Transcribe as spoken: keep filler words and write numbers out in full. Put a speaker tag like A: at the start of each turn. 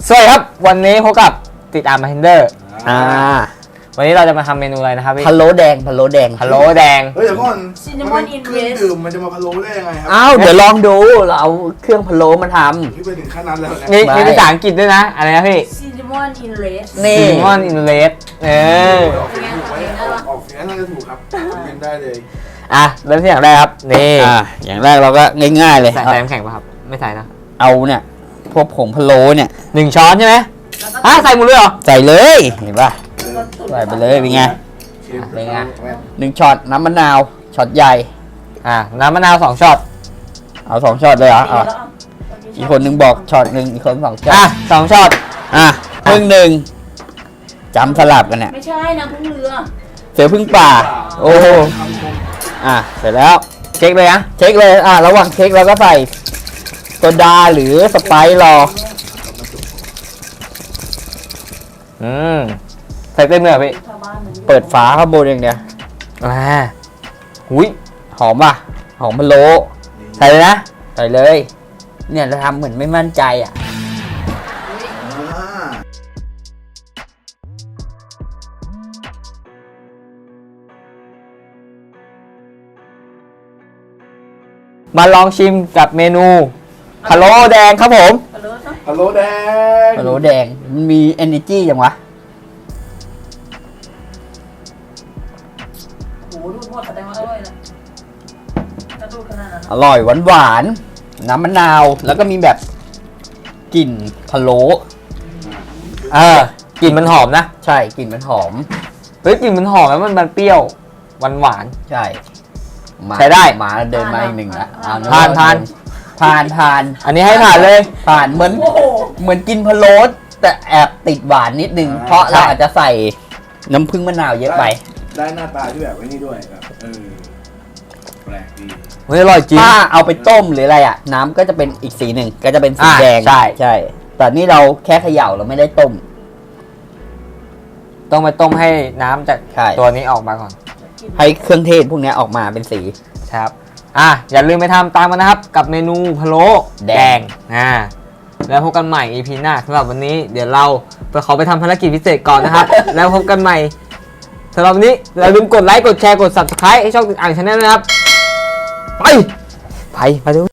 A: สวัสดีครับวันนี้พบกับติดตามมาเฮนเดอร์อ่าวันนี้เราจะมาทำเมนูอะไรนะครับพี่
B: พะโล้แดงพะโล้แดง
A: พะโล้แดง
C: เฮ้ยเดี๋ยวก่อนมันเครื่องดื่มมันจะมาพะโล้ได้ยังไงครั
B: อ้าวเดี๋ยวลองดูเราเอาเครื่องพะโล้มาท
C: ำที่ไปถึงขั้นนั้นแล้วนะ
A: มีมีภาษาอังกฤษด้วยนะอะไรนะพี่
D: ซินนามอนอินเลส
A: นี่ซินนามอนอินเลสเออ
C: ออกเสียงถูกไหมออกเสียงน่าจะถูกครับเป็นได้เลย
A: อ่ะเริ่มที่อย่างแรกครับนี่
B: อ่าอย่างแรกเราก็ง่ายๆเลย
A: ใส่ใส่น้ำแข็งป่ะครับไม่ใส่นะ
B: เอาเนี่ยพวกผงพะโล้เนี่ย
A: หนึ่งช้อนใช่ไหมอ่ะใส่หมดเลยเหรอ
B: ใส่เลยเห็นป่ะใส่ไปเลยเป็นไง
A: เป็นไง
B: หนึ่งช็อตน้ำมะนาวช็อตใหญ่
A: อ่ะน้ำมะนาวสองช็อต
B: เอาสองช็อตเลยเหรออ่ะอีกคนนึงบอกช็อตหนึ่งอีกคนสองช็อต
A: อ่ะสองช็อต
B: อ่ะพึ่งหนึ่งจำสลับกันเนี่ย
D: ไม่ใช่นะพึ่งเรือ
B: เสือพึ่งป่าโอ้อ่ะเสร็จแล้ว
A: เช็คเลยนะ
B: เช็คเลยอ่ะระหว่างเช็คเราก็ใส่โซดาหรือสไปซ์รอ
A: อืมใส่เต็มเลยพี่
B: เปิดฝาข้างบนอย่างเดียว
A: อ่าหุย
B: หอมป่ะหอมพะโล้
A: ใส่เลยนะ
B: ใส่เลยเนี่ยเราทำเหมือนไม่มั่นใจอ่ะ
A: มาลองชิมกับเมนูพะโล้แดงครับผม
C: พะโล้แดง
B: พะโล้แดงมันมี energy อย่างวะ
D: โอ้โหดูดหมดแสดงว่าอร่อยนะจะดูดขนาดนั้น
B: อร่อยหวานหวานน้ำมะนาวแล้วก็มีแบบกลิ่นพะโล้
A: เออกลิ่นมันหอมนะ
B: ใช่กลิ่นมันหอม
A: เฮ้ยกลิ่นมันหอมแล้วมันมันเปรี้ยวหวานหวาน
B: ใช่
A: ใช้ได้
B: มาเดินมาอีกหนึ่งละ
A: ผ่านผ่าน
B: ผ่านผ่าน
A: อันนี้ให้ผ่านเลย
B: ผ่านเหมือนเหมือนกินพะโล้แต่แอบติดหวานนิดนึงเพราะเราอาจจะใส่น้ำผึ้งมะนาวเยอะไป
C: ได้หน้าตาที่แบบไว้นี่ด้วยแบบเออแปลกดี
A: เฮ้ยอร่อยจริง
B: ถ้าเอาไปต้มหรืออะไรอ่ะน้ำก็จะเป็นอีกสีหนึ่งก็จะเป็นสีแดง
A: ใช่
B: ใช่แต่นี่เราแค่เขย่าเราไม่ได้ต้ม
A: ต้องไปต้มให้น้ำจากตัวนี้ออกมาก่อน
B: ให้เครื่องเทศพวกนี้ออกมาเป็นสี
A: ครับอ่ะอย่าลืมไปทำตามกันนะครับกับเมนูพะโล้แดงอ่าแล้วพบกันใหม่ อี พี หน้าสำหรับวันนี้เดี๋ยวเราไปขอไปทำภารกิจพิเศษก่อนนะครับ แล้วพบกันใหม่สำหรับวันนี้อย่าลืมกดไลค์กดแชร์กด ซับสไครบ์ ให้ช่องติดอ่างชาแนลนะครับไปไปไปดู